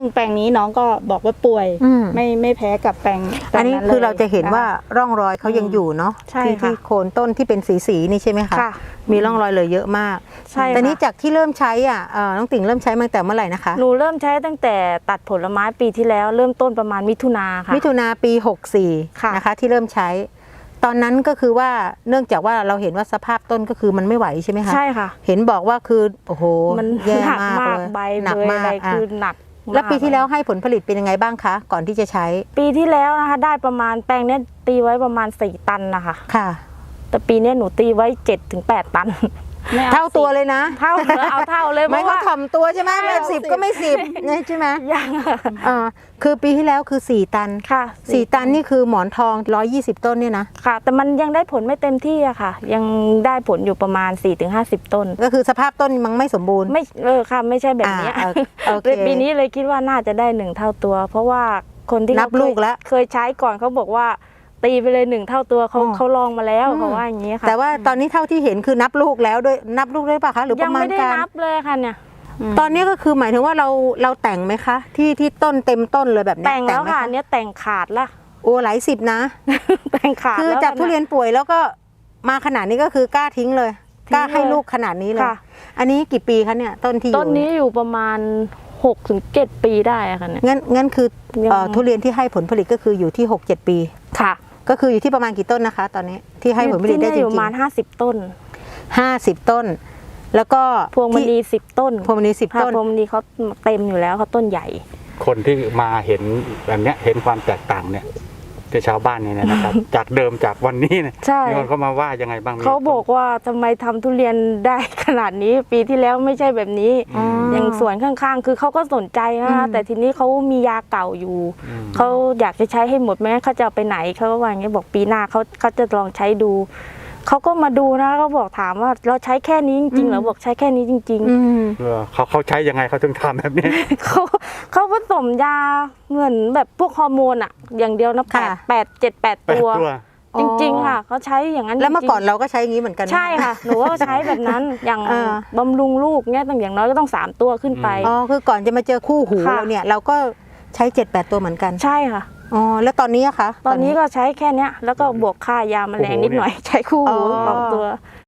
แปลงนี้น้องก็บอกว่าป่วยไม่แพ้กับแปลงอันนี้คือเราจะเห็นว่าร่องรอยเขายังอยู่เนาะที่โคนต้นที่เป็นสีนี่ใช่ไหมคะมีร่องรอยเลยเยอะมากใช่แต่นี้จากที่เริ่มใช้น้องติ่งเริ่มใช้มาตั้งแต่เมื่อไหร่นะคะหนูเริ่มใช้ตั้งแต่ตัดผลไม้ปีที่แล้วเริ่มต้นประมาณมิถุนาค่ะมิถุนาปี64นะคะที่เริ่มใช้ตอนนั้นก็คือว่าเนื่องจากว่าเราเห็นว่าสภาพต้นก็คือมันไม่ไหวใช่ไหมคะใช่ค่ะเห็นบอกว่าคือโอ้โหมันแย่มากเลยใบหนักมากคือหนักแล้วปีที่แล้วให้ผลผลิตเป็นยังไงบ้างคะก่อนที่จะใช้ปีที่แล้วนะคะได้ประมาณแปลงนี้ตีไว้ประมาณ4 ตันนะคะค่ะแต่ปีนี้หนูตีไว้7-8 ตันเท่าตัวเลยนะเท่าเลยไม่เขาถ่อมตัวใช่ไหมแบบ10ก็ไม่10ใช่ไหมยังคือปีที่แล้วคือ4 ตันค่ะ 4 ตันนี่คือหมอนทอง120 ต้นเนี่ยนะค่ะแต่มันยังได้ผลไม่เต็มที่อะค่ะยังได้ผลอยู่ประมาณ4-50 ต้นก็คือสภาพต้นมันไม่สมบูรณ์ไม่ค่ะไม่ใช่แบบนี้เลยปีนี้เลยคิดว่าน่าจะได้1 เท่าตัวเพราะว่าคนที่นับลูกแล้วเคยใช้ก่อนเขาบอกว่าตีไปเลย1 เท่าตัวเขาลองมาแล้วเขาว่าอย่างนี้ค่ะแต่ว่าตอนนี้เท่าที่เห็นคือนับลูกแล้วด้วยนับลูกได้ป่ะคะหรือประมาณการยังไม่ได้นับเลยค่ะเนี่ยตอนนี้ก็คือหมายถึงว่าเราแต่งไหมคะที่ต้นเต็มต้นเลยแบบนี้แต่งแล้วค่ะเนี่ยแต่งขาดละโอ้หลาย10นะแต่งขาดคือจากทุเรียนป่วยแล้วก็มาขนาดนี้ก็คือกล้าทิ้งเลยกล้าให้ลูกขนาดนี้เลยอันนี้กี่ปีคะเนี่ยต้นที่อยู่ต้นนี้อยู่ประมาณ6-7 ปีได้ค่ะเนี่ยงั้นคือทุเรียนที่ให้ผลผลิตก็คืออยู่ที่6-7 ปีค่ะก็คืออยู่ที่ประมาณกี่ต้นนะคะตอนนี้ที่ให้ผลผลิตได้จริงๆประมาณ50 ต้น 50 ต้นแล้วก็พวงมณี10 ต้นพวงมณี10 ต้นพวงมณีเขาเต็มอยู่แล้วเขาต้นใหญ่คนที่มาเห็นแบบนี้เห็นความแตกต่างเนี่ยที่ชาวบ้านเนี่ยนะครับ จากเดิมจากวันนี้เนี่ยมีคนเข้ามาว่ายังไงบ้างเขาบอกว่าทำไมทำทุเรียนได้ขนาดนี้ปีที่แล้วไม่ใช่แบบนี้อย่างสวนข้างๆคือเขาก็สนใจนะคะแต่ทีนี้เขามียาเก่าอยู่เขาอยากจะใช้ให้หมดแม้เขาจะเอาไปไหนเขาก็ว่าอย่างนี้บอกปีหน้าเขาจะลองใช้ดูเขาก็มาดูนะเขาบอกถามว่าเราใช้แค่นี้จริงๆเหรอบอกใช้แค่นี้จริงๆเขาใช้ยังไงเขาถึงทำแบบนี้เขาผสมยาเหมือนแบบพวกฮอร์โมนอะอย่างเดียวนะ7-8 ตัวจริงๆค่ะเขาใช้อย่างนั้นแล้วเมื่อก่อนเราก็ใช้อย่างนี้เหมือนกันใช่ค่ะหนูก็ใช้แบบนั้นอย่างบำรุงลูกเนี่ยต้องอย่างน้อยก็ต้อง3 ตัวขึ้นไปอ๋อคือก่อนจะมาเจอคู่หูเราเนี่ยเราก็ใช้ 7-8 ตัวเหมือนกันใช่ค่ะอ๋อแล้วตอนนี้อะคะตอนนี้ก็ใช้แค่นี้แล้วก็บวกค่ายาแมลงนิดหน่อยใช้คู่หู2 ตัว